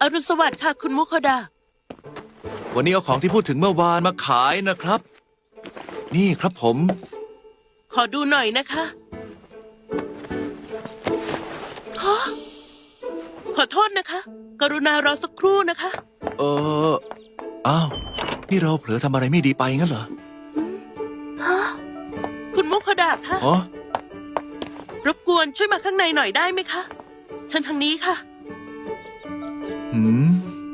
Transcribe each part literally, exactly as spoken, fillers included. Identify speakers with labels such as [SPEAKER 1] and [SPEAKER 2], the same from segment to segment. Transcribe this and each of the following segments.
[SPEAKER 1] อรุณสวัสดิ์ค่ะคุณมุคดา
[SPEAKER 2] วันนี้เอาของที่พูดถึงเมื่อวานมาขายนะครับ นี่ครับผม
[SPEAKER 1] ขอดูหน่อยนะคะฮะขอโทษนะคะ กรุณารอสักครู่นะคะ
[SPEAKER 2] เอออ้าวนี่เราเผลอทำอะไรไม่ดีไปงั้นเหรอ
[SPEAKER 1] ฮะ คุณมุคดาคะ
[SPEAKER 2] อ๋อ
[SPEAKER 1] รบกวนช่วยมาข้างในหน่อยได้ไหมคะฉันทางนี้ค่ะ
[SPEAKER 2] หืม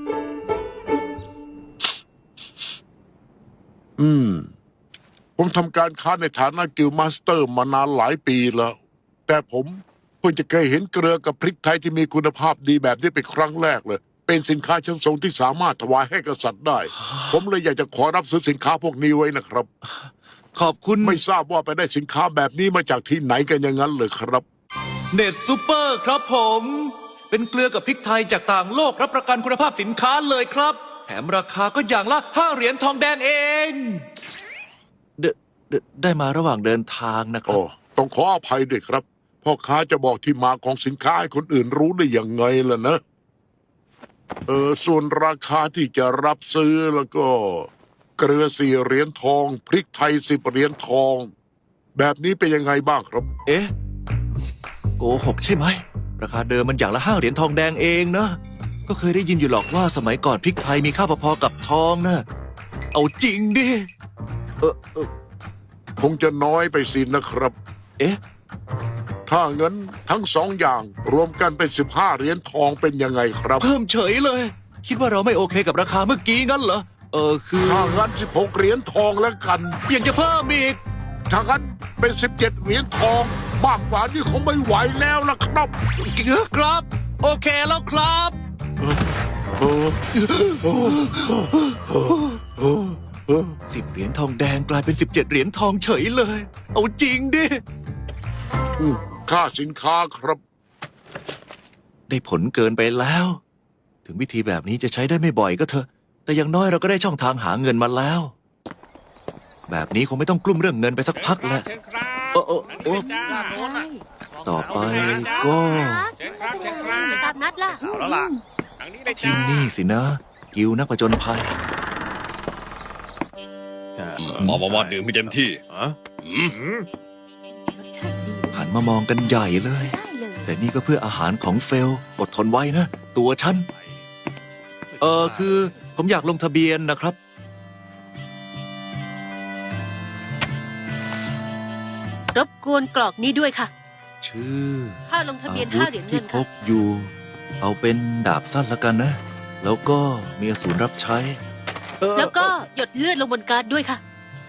[SPEAKER 3] อืม ผมทำการค้าในฐานะกิลด์มาสเตอร์มานานหลายปีแล้ว แต่ผมเพิ่งจะเคยเห็นเกลือกับพริกไทยที่มีคุณภาพดีแบบนี้เป็นครั้งแรกเลย เป็นสินค้าชั้นสูงที่สามารถถวายให้กษัตริย์ได้ ผมเลยอยากจะขอรับซื้อสินค้าพวกนี้ไว้นะครับ
[SPEAKER 2] ขอบคุณ
[SPEAKER 3] ไม่ทราบว่าไปได้สินค้าแบบนี้มาจากที่ไหนกันอย่างนั้นเลยครับ
[SPEAKER 2] เน็ตซูเปอร์ครับผม เป็นเกลือกับพริกไทยจากต่างโลกรับประกันคุณภาพสินค้าเลยครับ แถมราคาก็อย่างละห้าเหรียญทองแดงเองเดเดได้มาระหว่างเดินทางนะครั
[SPEAKER 3] โอ้
[SPEAKER 2] บ
[SPEAKER 3] ต้องขออภัยด้วยครับพ่อค้าจะบอกที่มาของสินค้าให้คนอื่นรู้ได้อย่างไงล่ะนะ เออส่วนราคาที่จะรับซื้อแล้วก็ เกลือสี่เหรียญทอง พริกไทยสิบเหรียญทอง แบบนี้เป็นยังไงบ้างครับ
[SPEAKER 2] เอ๊ะโกหกใช่ไหม ราคาเดิมมันอย่างละห้าเหรียญทองแดงเองนะ ก็เคยได้ยินอยู่หรอกว่าสมัยก่อนพริกไทยมีค่าพอๆกับทองนะเอาจริงดิ เออเออ
[SPEAKER 3] คงจะน้อยไปสินะครับ
[SPEAKER 2] เอ๊ะ
[SPEAKER 3] ถ้าเงินทั้งสองอย่างรวมกันเป็นสิบห้าเหรียญทองเป็นยังไงครับ
[SPEAKER 2] เพิ่มเฉยเลย คิดว่าเราไม่โอเคกับราคาเมื่อกี้งั้นเหรอ เออคือ
[SPEAKER 3] ถ้างั้นสิบหกเหรียญทองแล้วกัน
[SPEAKER 2] ยังจะเพิ่มอีก
[SPEAKER 3] ถ้างั้นเป็นสิบเจ็ดเหรียญทองมากกว่านี่คงไม่ไหวแล้วล่ะครับ
[SPEAKER 2] ครับ โอเคแล้วครับ
[SPEAKER 3] เออเออเออเออเออ
[SPEAKER 2] สิบเหรียญทองแดงกลายเป็นสิบเจ็ดเหรียญทองเฉยเลย เอาจริงดิ
[SPEAKER 3] อืมค่าสินค้าครับ
[SPEAKER 2] ได้ผลเกินไปแล้ว ถึงวิธีแบบนี้จะใช้ได้ไม่บ่อยก็เถอะ แต่อย่างน้อยเราก็ได้ช่องทางหาเงินมาแล้ว แบบนี้คงไม่ต้องกลุ้มเรื่องเงินไปสักพักแล้ว
[SPEAKER 4] เชิญครับ
[SPEAKER 2] โอ้โอ้โอ้
[SPEAKER 4] ด้านโน้นน่ะ
[SPEAKER 2] ต่อไปก็
[SPEAKER 4] เชิญครับเชิญครับ
[SPEAKER 5] เดี๋ยวตามนัดล่ะ
[SPEAKER 4] เอาแล้วล่ะทางนี้เลย
[SPEAKER 2] ที่
[SPEAKER 4] จ้า
[SPEAKER 2] นี่สินะ กิวนักผจญภัย
[SPEAKER 6] มามามาดื่มให้เต็มที่
[SPEAKER 2] หันมามองกันใหญ่เลย
[SPEAKER 5] ได้เลย
[SPEAKER 2] แต่นี่ก็เพื่ออาหารของเฟล อดทนไว้นะ ตัวฉัน เออคือผมอยากลงทะเบียนนะครับ
[SPEAKER 5] รบกวนกรอกนี้ด้วยค่ะ
[SPEAKER 2] ชื่อ
[SPEAKER 5] ค่าลงทะเบียน
[SPEAKER 2] อา
[SPEAKER 5] ห้า
[SPEAKER 2] วุธ
[SPEAKER 5] เหรียญเงิ
[SPEAKER 2] ที่
[SPEAKER 5] น
[SPEAKER 2] พ
[SPEAKER 5] ค่ะ
[SPEAKER 2] กอยู่ เอาเป็นดาบสั้นละกันนะ แล้วก็มีอสูรรับใช้เอ่อ
[SPEAKER 5] แล้วก็หยดเลือดลงบนการ์ดด้วยค่ะ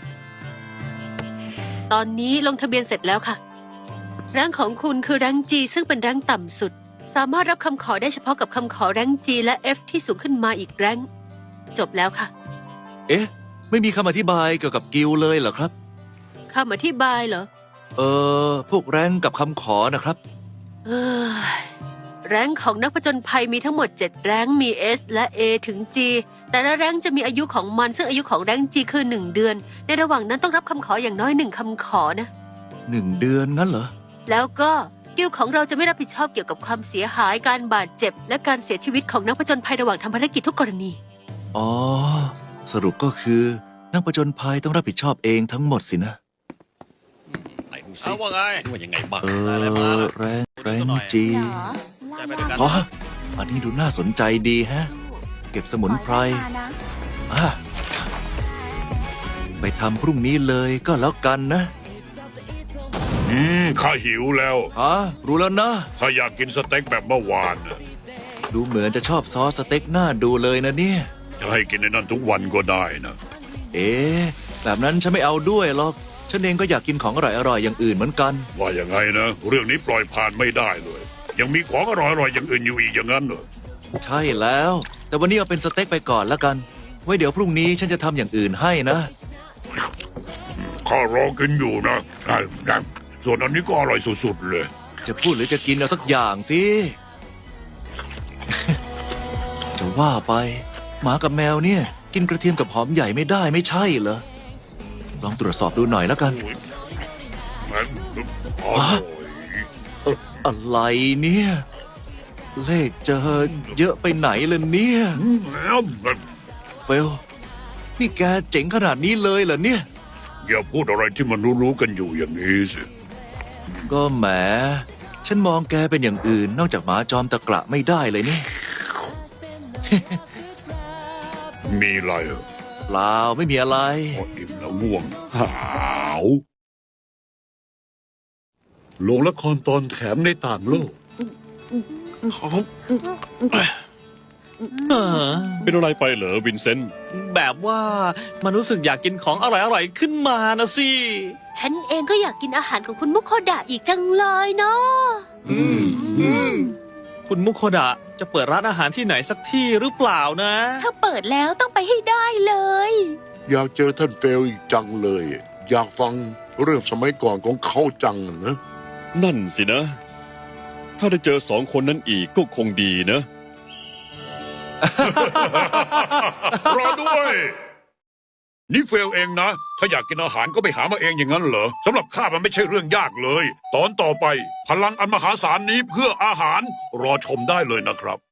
[SPEAKER 5] ตอนนี้ลงทะเบียนเสร็จแล้วค่ะแรงของคุณคือแรงจีซึ่งเป็นแรงต่ำสุด สามารถรับคำขอได้เฉพาะกับคำขอแรงจีและ F ที่สูงขึ้นมาอีกแรงจบแล้วค่ะ
[SPEAKER 2] เอ๊ะ ไม่มีคำอธิบายเกี่ยวกับกิลด์เลยเหรอครับ
[SPEAKER 5] คำอธิบายเหรอ
[SPEAKER 2] เออพวกแรงกับคำขอนะครับ
[SPEAKER 5] เอ้ยแรงของนักผจญภัยมีทั้งหมดเจ็ดแรงมี S และ A ถึง G แต่ละแรงจะมีอายุของมันซึ่งอายุของแรง G คือหนึ่งเดือน ในระหว่างนั้นต้องรับคำขออย่างน้อยหนึ่งคำขอนะ
[SPEAKER 2] หนึ่งเดือนงั้นเหรอ
[SPEAKER 5] แล้วก็กิลด์ของเราจะไม่รับผิดชอบเกี่ยวกับความเสียหายการบาดเจ็บ และการเสียชีวิตของนักผจญภัยระหว่างทำภารกิจทุกกรณี
[SPEAKER 2] อ๋อ สรุปก็คือนักผจญภัยต้องรับผิดชอบเองทั้งหมดสินะ
[SPEAKER 6] ไหนดูสิ
[SPEAKER 4] เอาว่าไง
[SPEAKER 6] ว่ายังไงบ้าง
[SPEAKER 2] เออ แรงแรงจี
[SPEAKER 4] ใจไปด้วยกัน
[SPEAKER 2] อ๋ออันนี้ดูน่าสนใจดีแฮะ เก็บสมุนไพรอ่ะไปทำพรุ่งนี้เลยก็แล้วกันนะ
[SPEAKER 7] อืมข้าหิวแล้ว
[SPEAKER 2] อ๋อรู้แล้วนะ
[SPEAKER 7] ข้าอยากกินสเต็กแบบเมื่อวานน่ะ
[SPEAKER 2] ดูเหมือนจะชอบซอสสเต็กหน้าดูเลยนะเนี่ย
[SPEAKER 7] จะให้กินในนั้นทุกวันก็ได้นะ
[SPEAKER 2] เอ๊ะแบบนั้นฉันไม่เอาด้วยหรอก ฉันเองก็อยากกินของอร่อยๆอย่างอื่นเหมือนกัน
[SPEAKER 7] ว่าอย่างไงนะ เรื่องนี้ปล่อยผ่านไม่ได้เลย ยังมีของอร่อยๆอย่างอื่นอยู่อีกอย่างนั้นเหรอ
[SPEAKER 2] ใช่แล้ว แต่วันนี้เอาเป็นสเต็กไปก่อนแล้วกัน ไว้เดี๋ยวพรุ่งนี้ฉันจะทำอย่างอื่นให้นะ
[SPEAKER 7] ข้ารอกินอยู่นะได้ได้ส่วนอันนี้ก็อร่อยสุดๆเลย
[SPEAKER 2] จะพูดหรือจะกินเอาสักอย่างสิ จะว่าไป หมากับแมวเนี่ย กินกระเทียมกับหอมใหญ่ไม่ได้ไม่ใช่เหรอ ลองตรวจสอบดูหน่อยแล้วกัน
[SPEAKER 7] โอ้ยมันอร่อย
[SPEAKER 2] อะไรเนี่ยเลขเจอเยอะไปไหนล่ะเนี่ย
[SPEAKER 7] อืมแล้ว
[SPEAKER 2] เฟล นี่แกเจ๋งขนาดนี้เลยเหรอเนี่ย
[SPEAKER 7] อย่าพูดอะไรที่มันรู้ๆกันอยู่อย่างนี้สิ
[SPEAKER 2] ก็แหม ฉันมองแกเป็นอย่างอื่น นอกจากหมาจอมตะกระไม่ได้เลยนี่
[SPEAKER 7] มีอะไรเหรอ
[SPEAKER 2] เปล่าไม่มีอะไร
[SPEAKER 7] พออิ่มแล้วง่วงหาวโรงละครตอนแถมในต่างโลก
[SPEAKER 6] เป็นอะไรไปเหรอวินเซนต์
[SPEAKER 8] แบบว่ามันรู้สึกอยากกินของอร่อยๆขึ้นมานะสิ
[SPEAKER 5] ฉันเองก็อยากกินอาหารของคุณมุโคดะอีกจังเลยเนาะ
[SPEAKER 8] อืมอืมคุณมุโคดะจะเปิดร้านอาหารที่ไหนสักที่หรือเปล่านะ
[SPEAKER 9] ถ้าเปิดแล้วต้องไปให้ได้เลย
[SPEAKER 3] อยากเจอท่านเฟลอีกจังเลย อยากฟังเรื่องสมัยก่อนของเขาจังนะ
[SPEAKER 6] นั่นสินะ ถ้าได้เจอสองคนนั้นอีกก็คงดีนะ
[SPEAKER 7] รอด้วย นี่เฟลเองนะ ถ้าอยากกินอาหารก็ไปหามาเองอย่างนั้นเหรอสำหรับข้ามันไม่ใช่เรื่องยากเลย ตอนต่อไป พลังอันมหาศาลนี้เพื่ออาหารรอชมได้เลยนะครับ